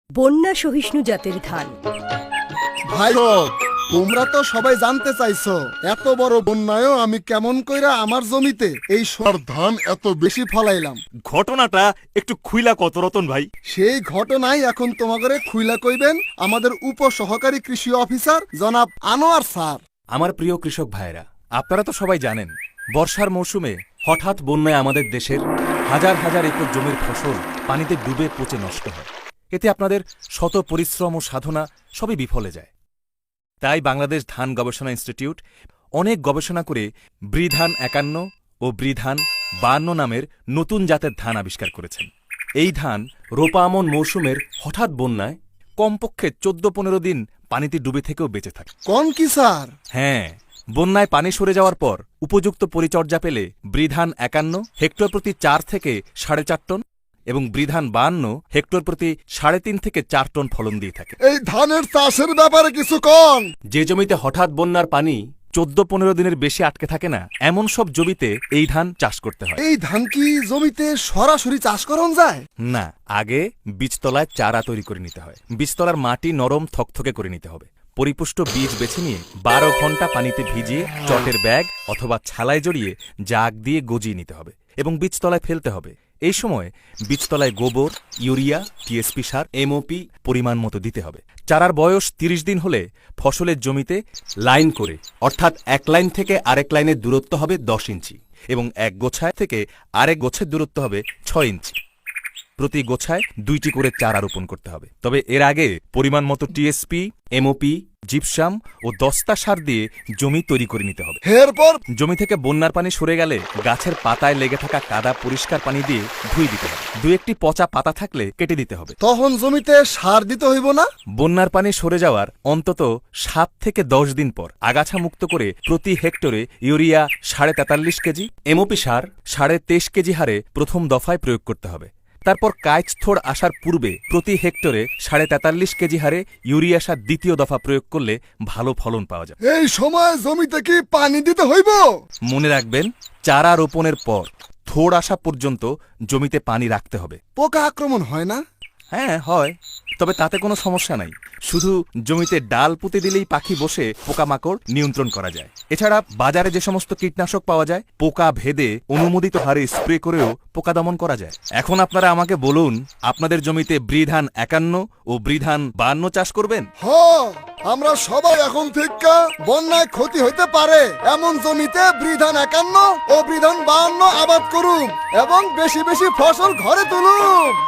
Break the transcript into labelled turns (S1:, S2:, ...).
S1: বন্যা সহিষ্ণু জাতের ধান।
S2: ভাই তোমরা তো সবাই জানতে চাইছো এত বড় বন্যায়ও আমি কেমন কইরা আমার জমিতে এই সর ধান এত বেশি ফলাইলাম।
S3: ঘটনাটা একটু খুইলা কত রতন ভাই।
S2: সেই ঘটনাই এখন তোমাদের খুইলা কইবেন আমাদের উপসহকারী কৃষি অফিসার জনাব আনোয়ার স্যার।
S4: আমার প্রিয় কৃষক ভাইরা, আপনারা তো সবাই জানেন বর্ষার মৌসুমে হঠাৎ বন্যায় আমাদের দেশের হাজার হাজার একর জমির ফসল পানিতে ডুবে পচে নষ্ট হয়। এতে আপনাদের শত পরিশ্রম ও সাধনা সবই বিফলে যায়। তাই বাংলাদেশ ধান গবেষণা ইনস্টিটিউট অনেক গবেষণা করে বৃধান ৫১ ও বৃধান ৫২ নামের নতুন জাতের ধান আবিষ্কার করেছেন। এই ধান রোপা আমন মৌসুমের হঠাৎ বন্যায় কমপক্ষে ১৪-১৫ দিন পানিতে ডুবে থেকেও বেঁচে থাকে।
S2: কোন কি স্যার?
S4: হ্যাঁ, বন্যায় পানি সরে যাওয়ার পর উপযুক্ত পরিচর্যা পেলে বৃধান ৫১ হেক্টর প্রতি ৪ থেকে ৪.৫ টন এবং বৃধান ৫২ হেক্টর প্রতি ৩.৫ থেকে ৪ টন ফলন দিয়ে থাকে।
S2: এই ধানের চাষের ব্যাপারে কিছু কোন।
S4: যে জমিতে হঠাৎ বন্যার পানি ১৪-১৫ দিনের বেশি আটকে থাকে না, এমন সব জমিতে এই ধান চাষ করতে হয়।
S2: এই ধান কি জমিতে সরাসরি চাষ করন যায়?
S4: না, আগে বীজতলায় চারা তৈরি করে নিতে হয়। বীজতলার মাটি নরম থকথকে করে নিতে হবে। পরিপুষ্ট বীজ বেছে নিয়ে ১২ ঘন্টা পানিতে ভিজিয়ে চটের ব্যাগ অথবা ছালায় জড়িয়ে জাগ দিয়ে গজিয়ে নিতে হবে এবং বীজতলায় ফেলতে হবে। এই সময় বীজতলায় গোবর, ইউরিয়া, টিএসপি সার, এমওপি পরিমাণ মতো দিতে হবে। চারার বয়স ৩০ দিন হলে ফসলের জমিতে লাইন করে, অর্থাৎ এক লাইন থেকে আরেক লাইনের দূরত্ব হবে ১০ ইঞ্চি এবং এক গোছায় থেকে আরেক গোছের দূরত্ব হবে ৬ ইঞ্চি। প্রতি গোছায় ২টি করে চারা রোপণ করতে হবে। তবে এর আগে পরিমাণ মতো টিএসপি, এমওপি, জিপসাম ও দস্তা সার দিয়ে জমি তৈরি করে নিতে হবে।
S2: এরপর
S4: জমি থেকে বন্যার পানি সরে গেলে গাছের পাতায় লেগে থাকা কাদা পরিষ্কার পানি দিয়ে ধুয়ে দিতে হবে। ২-১টি পচা পাতা থাকলে কেটে দিতে হবে।
S2: তখন জমিতে সার দিতে হইব না?
S4: বন্যার পানি সরে যাওয়ার অন্তত ৭ থেকে ১০ দিন পর আগাছা মুক্ত করে প্রতি হেক্টরে ইউরিয়া ৪.৪৩ কেজি, এমওপি সার ২.৫ কেজি হারে প্রথম দফায় প্রয়োগ করতে হবে। তারপর কাইচথোড় আসার পূর্বে প্রতি হেক্টরে ৪.৪৩ কেজি হারে ইউরিয়া সার দ্বিতীয় দফা প্রয়োগ করলে ভালো ফলন পাওয়া যায়।
S2: এই সময় জমিতে কি পানি দিতে হইব?
S4: মনে রাখবেন, চারা রোপণের পর থোড় আসা পর্যন্ত জমিতে পানি রাখতে হবে।
S2: পোকা আক্রমণ হয় না?
S4: হ্যাঁ হয়, তবে তাতে কোনো সমস্যা নাই। শুধু জমিতে ডাল পুঁতে দিলেই পাখি বসে পোকামাকড় নিয়ন্ত্রণ করা যায়। এছাড়া বাজারে যে সমস্ত কীটনাশক পাওয়া যায়, পোকা ভেদে অনুমোদিত হারে স্প্রে করেও পোকা দমন করা যায়। এখন আপনারা আমাকে বলুন, আপনাদের জমিতে বৃধান ৫১ ও বৃধান ৫২ চাষ করবেন?
S2: আমরা সবাই এখন থেকে বন্যায় ক্ষতি হইতে পারে এমন জমিতে বৃধান ৫১ ও বৃধান ৫২ আবাদ করুন এবং বেশি বেশি ফসল ঘরে তুলুন।